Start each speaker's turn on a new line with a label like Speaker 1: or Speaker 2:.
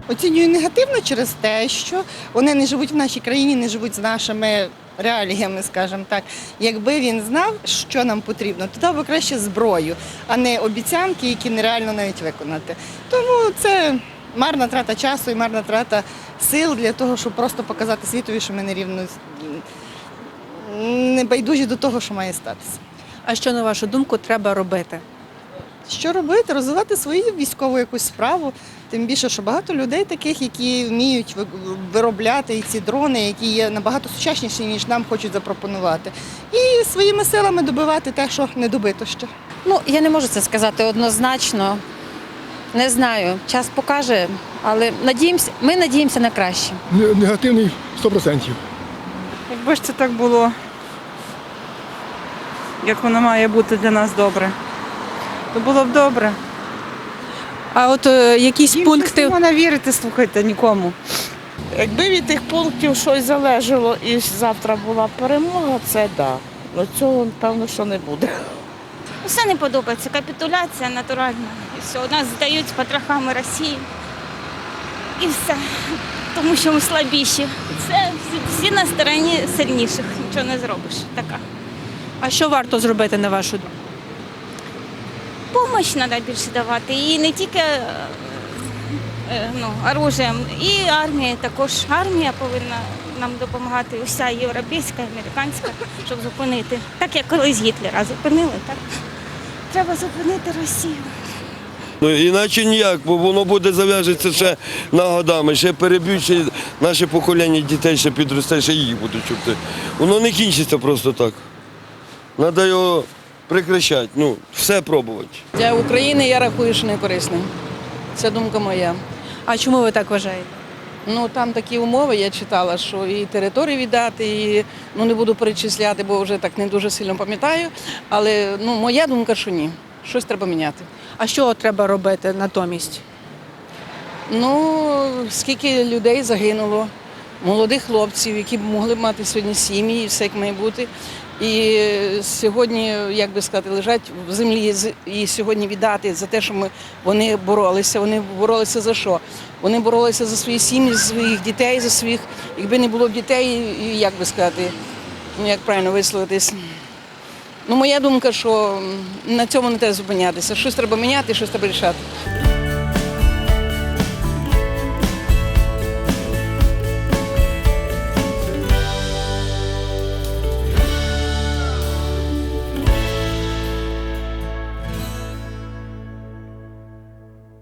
Speaker 1: Оцінюю негативно через те, що вони не живуть в нашій країні, не живуть з нашими реаліями, скажімо так. Якби він знав, що нам потрібно, то дав би краще зброю, а не обіцянки, які нереально навіть виконати. Тому це марна трата часу і марна трата сил для того, щоб просто показати світові, що ми не байдужі до того, що має статися.
Speaker 2: А що, на вашу думку, треба робити?
Speaker 1: Що робити? Розвивати свою військову якусь справу. Тим більше, що багато людей таких, які вміють виробляти і ці дрони, які є набагато сучасніші, ніж нам хочуть запропонувати. І своїми силами добивати те, що не добито ще.
Speaker 3: Я не можу це сказати однозначно. Не знаю, час покаже, але ми надіємося на краще.
Speaker 4: Негативний 100%.
Speaker 5: Якби ж це так було, як воно має бути для нас добре, то було б добре.
Speaker 2: А от якісь пункти.
Speaker 5: Не можна вірити, слухайте, нікому.
Speaker 6: Якби від тих пунктів щось залежало і завтра була перемога, це да. Але цього, певно, що не буде.
Speaker 7: Усе не подобається. Капітуляція натуральна. І все. Нас здають з потрохами Росії. І все. Тому що ми слабіші. Це всі на стороні сильніших. Нічого не зробиш. Така.
Speaker 2: А що варто зробити, на вашу думку?
Speaker 7: Помощь треба більше давати. І не тільки оружієм, і армія також. Армія повинна нам допомагати, уся європейська, американська, щоб зупинити. Так як колись Гітлера зупинили, так треба зупинити Росію.
Speaker 8: Іначе ніяк, бо воно буде зав'яжеться ще на годами, ще переб'ють, ще наше покоління дітей ще підросте, ще їх будуть чути. Воно не кінчиться просто так. Треба його прекращати, все пробувати.
Speaker 9: Для України я рахую, що не корисним. Це думка моя.
Speaker 2: А чому ви так вважаєте?
Speaker 9: Там такі умови, я читала, що і територію віддати, і не буду перечисляти, бо вже так не дуже сильно пам'ятаю. Але моя думка, що ні. Щось треба міняти.
Speaker 2: А що треба робити натомість?
Speaker 9: Скільки людей загинуло, молодих хлопців, які б могли б мати сьогодні сім'ї, і все як має бути. І сьогодні, як би сказати, лежать в землі і сьогодні віддати за те, що вони боролися. Вони боролися за що? Вони боролися за свої сім'ї, за своїх дітей, за своїх, якби не було б дітей, як би сказати, як правильно висловитись. Моя думка, що на цьому не треба зупинятися. Щось треба міняти, щось треба рішати.